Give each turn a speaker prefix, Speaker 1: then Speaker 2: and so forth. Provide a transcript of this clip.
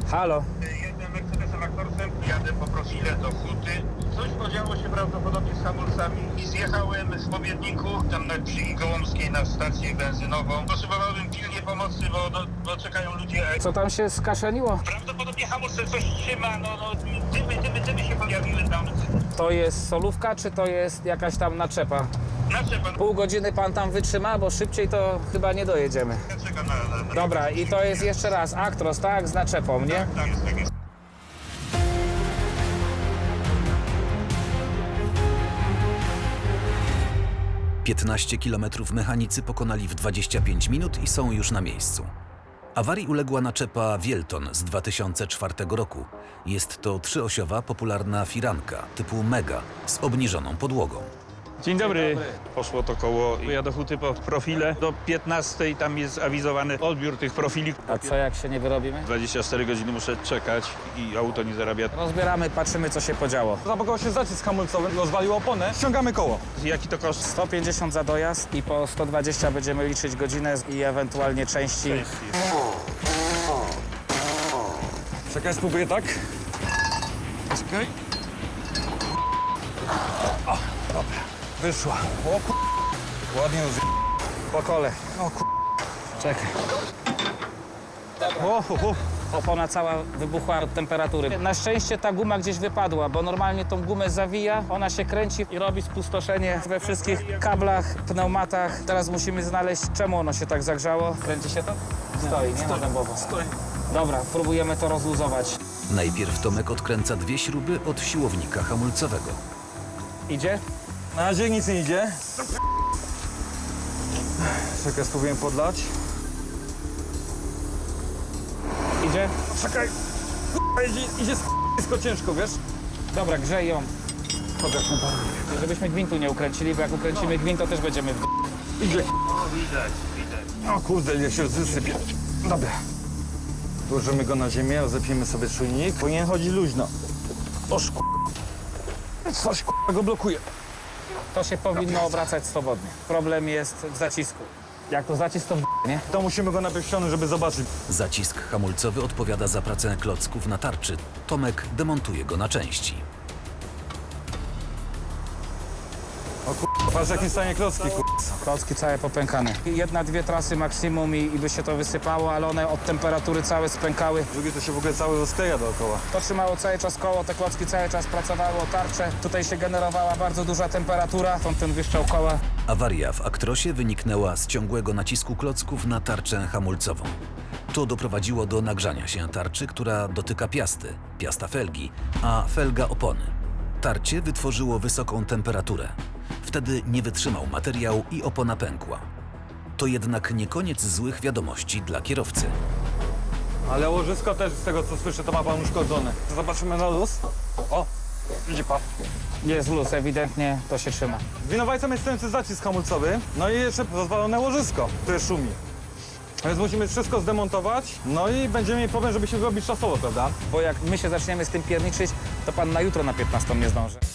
Speaker 1: Halo.
Speaker 2: Jedę Mercedesem Actorsem, jadę po profile do Huty. Coś podziało się prawdopodobnie z hamulcami i zjechałem z Pobiedniku, tam na Krzygi Gołomskiej na stację benzynową. Potrzebowałem pilnie pomocy, bo czekają ludzie.
Speaker 1: Co tam się skaszeniło?
Speaker 2: Prawdopodobnie hamulce coś trzyma, dymy się pojawiły tam.
Speaker 1: To jest solówka, czy to jest jakaś tam naczepa?
Speaker 2: Naczepa,
Speaker 1: Pół godziny pan tam wytrzyma, bo szybciej to chyba nie dojedziemy.
Speaker 2: ja czekam na...
Speaker 1: Dobra, i to jest jeszcze raz Actros, tak? Z naczepą, nie?
Speaker 2: Tak jest.
Speaker 3: 15 kilometrów mechanicy pokonali w 25 minut i są już na miejscu. Awarii uległa naczepa Wielton z 2004 roku. Jest to trzyosiowa, popularna firanka typu Mega z obniżoną podłogą.
Speaker 4: Dzień dobry. Poszło to koło, ja do Huty po profile. Do 15 tam jest awizowany odbiór tych profili.
Speaker 1: A co jak się nie wyrobimy?
Speaker 4: 24 godziny muszę czekać i auto nie zarabia.
Speaker 1: Rozbieramy, patrzymy co się podziało.
Speaker 5: Zapakował się zacisk hamulcowy, rozwalił oponę, ściągamy koło.
Speaker 4: Jaki to koszt?
Speaker 1: 150 za dojazd i po 120 będziemy liczyć godzinę i ewentualnie części.
Speaker 5: Czekaj, spróbuję tak. Czekaj. O, dobra, wyszła. O kur... Ładnie ją
Speaker 1: Po kole.
Speaker 5: O kur...
Speaker 1: Czekaj.
Speaker 5: O.
Speaker 1: Opona cała wybuchła od temperatury. Na szczęście ta guma gdzieś wypadła, bo normalnie tą gumę zawija, ona się kręci i robi spustoszenie we wszystkich kablach, pneumatach. Teraz musimy znaleźć, czemu ono się tak zagrzało. Kręci się to? Stoi, nie? Na dębowo.
Speaker 5: Stoi.
Speaker 1: Dobra, próbujemy to rozluzować.
Speaker 3: Najpierw Tomek odkręca dwie śruby od siłownika hamulcowego.
Speaker 1: Idzie?
Speaker 5: Na razie nic nie idzie. Czekaj, spróbuję podlać.
Speaker 1: Idzie?
Speaker 5: Czekaj. Idzie sk***sko ciężko, wiesz?
Speaker 1: Dobra, grzej ją.
Speaker 5: Pokaż na pan.
Speaker 1: Żebyśmy gwintu nie ukręcili, bo jak ukręcimy gwint, to też będziemy w
Speaker 5: Idzie.
Speaker 2: O, widać.
Speaker 5: O kurde, ile się wysypie. Dobra. Włożymy go na ziemię, rozepiemy sobie czujnik. Powinien chodzić luźno. Oż coś go blokuje.
Speaker 1: To się powinno obracać swobodnie. Problem jest w zacisku. Jak to zacisk, to nie?
Speaker 5: To musimy go najpierw ściągnąć, żeby zobaczyć.
Speaker 3: Zacisk hamulcowy odpowiada za pracę klocków na tarczy. Tomek demontuje go na części.
Speaker 5: O kur... Patrz jakim stanie klocki, kur...
Speaker 1: Klocki całe popękane. Jedna, dwie trasy maksimum i by się to wysypało, ale one od temperatury całe spękały.
Speaker 5: Drugie to się w ogóle cały rozkleja dookoła.
Speaker 1: To trzymało cały czas koło, te klocki cały czas pracowało, tarcze. Tutaj się generowała bardzo duża temperatura, stąd ten wyszczał koła.
Speaker 3: Awaria w Actrosie wyniknęła z ciągłego nacisku klocków na tarczę hamulcową. To doprowadziło do nagrzania się tarczy, która dotyka piasty, piasta felgi, a felga opony. Tarcie wytworzyło wysoką temperaturę. Wtedy nie wytrzymał materiał i opona pękła. To jednak nie koniec złych wiadomości dla kierowcy.
Speaker 5: Ale łożysko też, z tego co słyszę, to ma pan uszkodzone. Zobaczymy na luz. O, idzie pan.
Speaker 1: Jest luz, ewidentnie to się trzyma.
Speaker 5: Winowajcą jest stojący zacisk hamulcowy, no i jeszcze rozwalone łożysko, które szumi. Więc musimy wszystko zdemontować, no i będziemy mieli problem, żeby się wyrobić czasowo, prawda?
Speaker 1: Bo jak my się zaczniemy z tym pierniczyć, to pan na jutro na 15 nie zdąży.